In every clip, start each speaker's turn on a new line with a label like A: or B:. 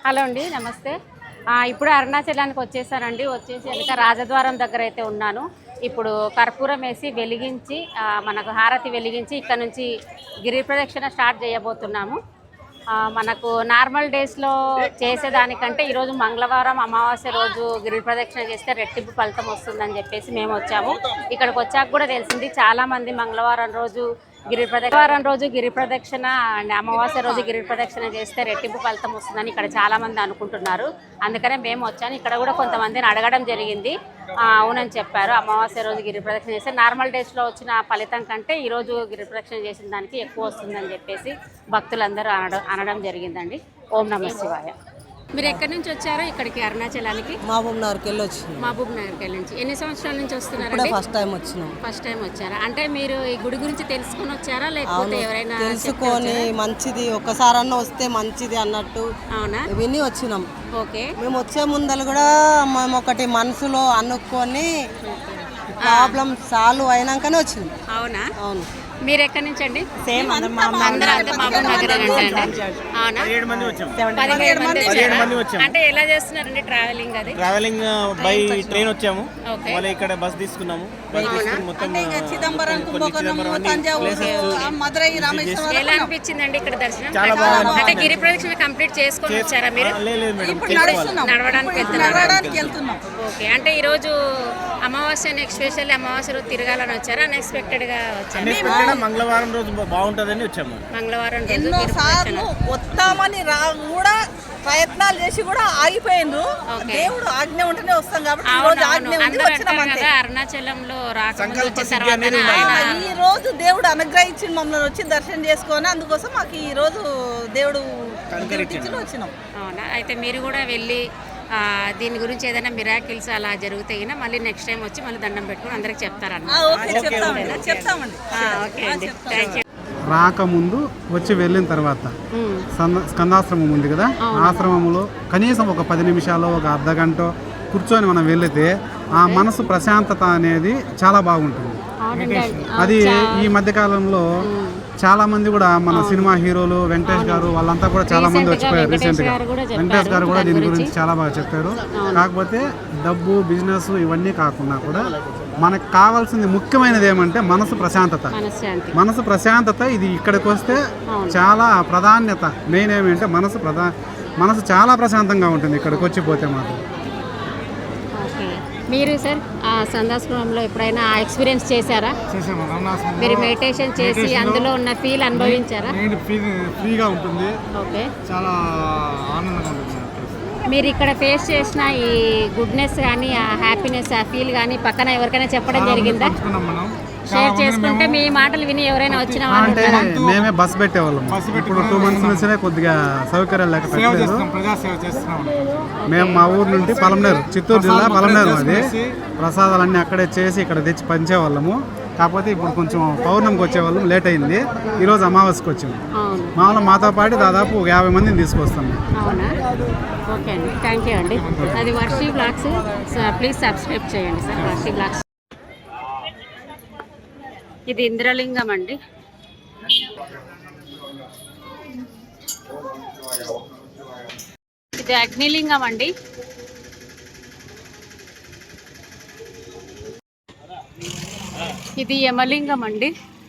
A: Hello అండి, నమస్తే. ఇప్పుడు అరుణాచలానికి వచ్చేసానండి. వచ్చేసి వెనక రాజద్వారం దగ్గర అయితే ఉన్నాను. ఇప్పుడు కర్పూరం వేసి వెలిగించి మనకు హారతి వెలిగించి ఇక్కడ నుంచి గిరి ప్రదక్షిణ స్టార్ట్ చేయబోతున్నాము. మనకు నార్మల్ డేస్లో చేసేదానికంటే ఈరోజు మంగళవారం అమావాస్య రోజు గిరి ప్రదక్షిణ చేస్తే రెట్టింపు ఫలితం వస్తుందని చెప్పేసి మేము వచ్చాము. ఇక్కడికి వచ్చాక కూడా తెలిసింది, చాలామంది మంగళవారం రోజు గిరి ప్రదక్షిణ అండ్ అమావాస్య రోజు గిరి ప్రదక్షిణ చేస్తే రెట్టింపు ఫలితం వస్తుందని ఇక్కడ చాలామంది అనుకుంటున్నారు. అందుకనే మేము వచ్చాను. ఇక్కడ కూడా కొంతమందిని అడగడం జరిగింది, అవునని చెప్పారు. అమావాస్య రోజు గిరి ప్రదక్షిణ చేస్తే నార్మల్ డేస్లో వచ్చిన ఫలితం కంటే ఈరోజు గిరి ప్రదక్షిణ చేసిన దానికి ఎక్కువ వస్తుందని చెప్పేసి భక్తులందరూ అనడం జరిగిందండి. ఓం నమః శివాయ. మీరు ఎక్కడి నుంచి వచ్చారో ఇక్కడికి అరుణాచలానికి?
B: మహబూబ్ నగర్కి వెళ్ళి వచ్చినాం.
A: మహబూబ్ నగర్కి నుంచి ఎన్ని సంవత్సరాల నుంచి వస్తున్నారు?
B: ఫస్ట్ టైం వచ్చినాం.
A: ఫస్ట్ టైం వచ్చారా? అంటే మీరు ఈ గుడి గురించి తెలుసుకుని వచ్చారా, లేకపోతే ఎవరైనా
B: తెలుసుకొని మంచిది ఒక్కసారన్నా వస్తే మంచిది అన్నట్టు
A: అవునా
B: విని వచ్చినాం.
A: ఓకే.
B: మేము వచ్చే ముందలు కూడా మేము ఒకటి మనసులో అనుకొని ప్రాబ్లం సాల్వ్ అయినాకనే వచ్చింది.
A: అవునా?
B: అవును.
A: మీరు ఎక్కడి నుంచి అండి?
B: సేమ్
A: మహబూబ్ నగర్ అవునా? 17 మంది వచ్చాము. అంటే ఎలా చేస్తున్నారండి ట్రావెలింగ్? అది
C: ట్రావెలింగ్ బై ట్రైన్ వచ్చాము. మళ్ళీ ఇక్కడ బస్ తీసుకున్నాము. మొత్తం
A: ఎలా అనిపించిందండి ఇక్కడ దర్శనం? అంటే గిరి ప్రదక్షిణ కంప్లీట్ చేసుకొని వచ్చారా మీరు? నడవడానికి వెళ్తున్నాం. ఓకే. అంటే ఈ రోజు అమావాస్య, ఎస్పెషల్లీ అమావాస్య రోజు తిరగాలని వచ్చారా, అన్ఎక్స్పెక్టెడ్ గా వచ్చారా?
C: మంగళవారం రోజు బాగుంటుందని వచ్చాము.
A: మంగళవారం
D: ఎన్నోసార్లు వస్తామని కూడా ప్రయత్నాలు చేసి కూడా ఆగిపోయిండ్రు. దేవుడు ఆజ్ఞ ఉంటేనే వస్తాం కాబట్టి
A: అరుణాచలంలో
D: ఈ రోజు దేవుడు అనుగ్రహించి మమ్మల్ని వచ్చి దర్శనం చేసుకొని, అందుకోసం మాకు ఈ రోజు దేవుడు వచ్చినాం.
A: అవునా? అయితే మీరు కూడా వెళ్ళి దీని గురించి ఏదైనా మిరాకిల్స్ అలా జరిగితే మళ్ళీ నెక్స్ట్ టైం వచ్చి మళ్ళీ దండం పెట్టుకుని అందరికి చెప్తారన్న. ఓకే అండి, థ్యాంక్ యూ.
E: రాకముందు వచ్చి వెళ్ళిన తర్వాత స్కందాశ్రమం ఉంది కదా, ఆశ్రమంలో కనీసం ఒక 10 నిమిషాలు, ఒక అర్ధ గంట కూర్చొని మనం వెళితే ఆ మనసు ప్రశాంతత అనేది చాలా బాగుంటుంది. అది ఈ మధ్యకాలంలో చాలా మంది కూడా మన సినిమా హీరోలు వెంకటేష్ గారు వాళ్ళంతా కూడా చాలా మంది వచ్చిపోయారు. రీసెంట్గా వెంకటేష్ గారు కూడా దీని గురించి చాలా బాగా చెప్పారు. కాకపోతే డబ్బు, బిజినెస్ ఇవన్నీ కాకుండా కూడా మనకు కావాల్సింది ముఖ్యమైనది ఏమంటే మనసు ప్రశాంతత. మనసు ప్రశాంతత ఇది ఇక్కడికి వస్తే చాలా ప్రాధాన్యత. మెయిన్ ఏమంటే మనసు చాలా ప్రశాంతంగా ఉంటుంది ఇక్కడికి వచ్చిపోతే మాత్రం.
A: మీరు సార్ సందాశ్రమంలో ఎప్పుడైనా ఎక్స్పీరియన్స్ చేశారా? మీరు మెడిటేషన్ చేసి అందులో ఉన్న ఫీల్ అనుభవించారా?
E: ఫ్రీగా ఉంటుంది.
A: ఓకే.
E: చాలా ఆనందంగా ఉంటుంది.
A: మీరు ఇక్కడ ఫేస్ చేసిన ఈ గుడ్నెస్ కానీ, ఆ హ్యాపీనెస్, ఆ ఫీల్ కానీ పక్కన ఎవరికైనా చెప్పడం జరిగిందా? షేర్ చేసుకుంటే మీ మాటలు విని ఎవరైనా వచ్చిన
E: అంటే మేమే బస్ పెట్టేవాళ్ళం. ఇప్పుడు 2 months నుంచే కొద్దిగా సౌకర్యాలు లేక పెట్టలేదు. మేము మా ఊరు నుండి పలమనేరు, చిత్తూరు జిల్లా పలమనేరు, అది ప్రసాదాలన్నీ అక్కడే చేసి ఇక్కడ తెచ్చి పంచేవాళ్ళము. కాకపోతే ఇప్పుడు కొంచెం పౌర్ణమికి వచ్చేవాళ్ళం, లేట్ అయింది. ఈరోజు అమావాస్యకి వచ్చాము. మామూలు మాతో పాటు దాదాపు 50 మందిని తీసుకొస్తాము.
A: ఓకే అండి, థ్యాంక్ యూ అండి. అది వర్షి బ్లాగ్స్, ప్లీజ్ సబ్స్క్రైబ్ చేయండి సార్. వర్షి బ్లాగ్స్. ఇది ఇంద్రలింగం అండి. ఇది అగ్నిలింగం అండి. ఇది యమలింగం అండి.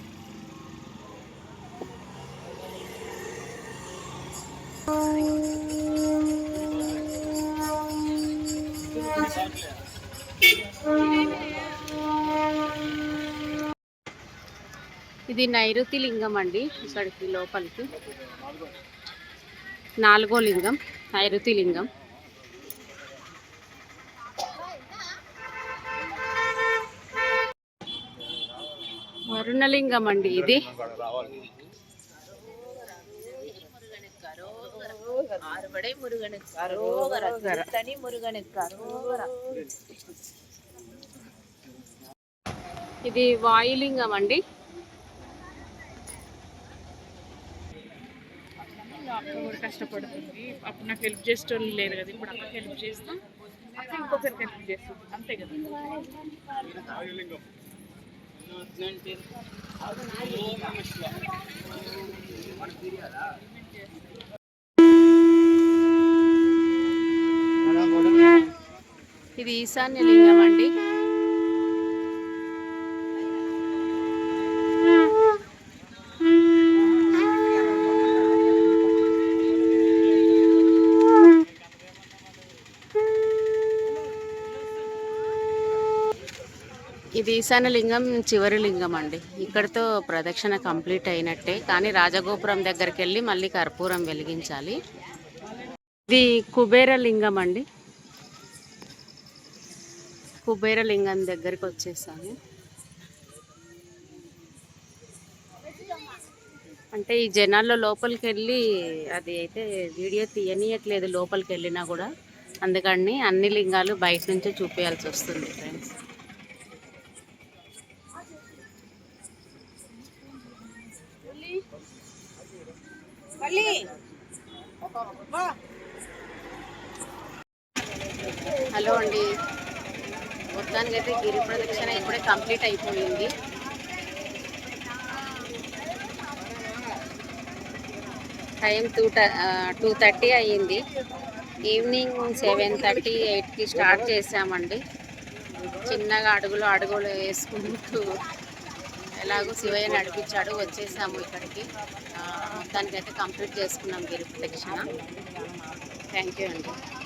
A: ఇది నైరుతి లింగం అండి. ఇక్కడికి లోపలికి 4వ లింగం నైరుతి లింగం. వరుణలింగం అండి. ఇది ఇది వాయులింగం అండి.
F: అక్క కూడా కష్టపడుతుంది. అప్పుడు నాకు హెల్ప్ చేసేటోళ్ళు లేరు కదా, ఇప్పుడు అక్కకి హెల్ప్ చేస్తాం, అక్క ఇంకొకరికి హెల్ప్ చేస్తాం, అంతే కదా.
A: ఇది ఈశాన్య లింగం అండి. ఇది ఈశాన్య లింగం చివరి లింగం అండి. ఇక్కడితో ప్రదక్షిణ కంప్లీట్ అయినట్టే. కానీ రాజగోపురం దగ్గరికి వెళ్ళి మళ్ళీ కర్పూరం వెలిగించాలి. ఇది కుబేర లింగం అండి. కుబేర లింగం దగ్గరికి వచ్చేసాను. అంటే ఈ జనాల్లో లోపలికి వెళ్ళి అది అయితే వీడియో తీయనీయట్లేదు లోపలికి వెళ్ళినా కూడా. అందుకని అన్ని లింగాలు బయట నుంచే చూపించాల్సి వస్తుంది ఫ్రెండ్స్. హలో అండి, మొత్తానికి అయితే గిరి ప్రదక్షిణ ఇప్పుడే కంప్లీట్ అయిపోయింది. టైం 2:30 అయ్యింది. ఈవినింగ్ 7:30, 8కి స్టార్ట్ చేసామండి. చిన్నగా అడుగులు వేసుకుంటూ ఎలాగో శివయ్య నడిపించాడు, వచ్చేసాము ఇక్కడికి. మొత్తానికైతే కంప్లీట్ చేసుకున్నాం గిరి ప్రదక్షిణ. థ్యాంక్ యూ అండి.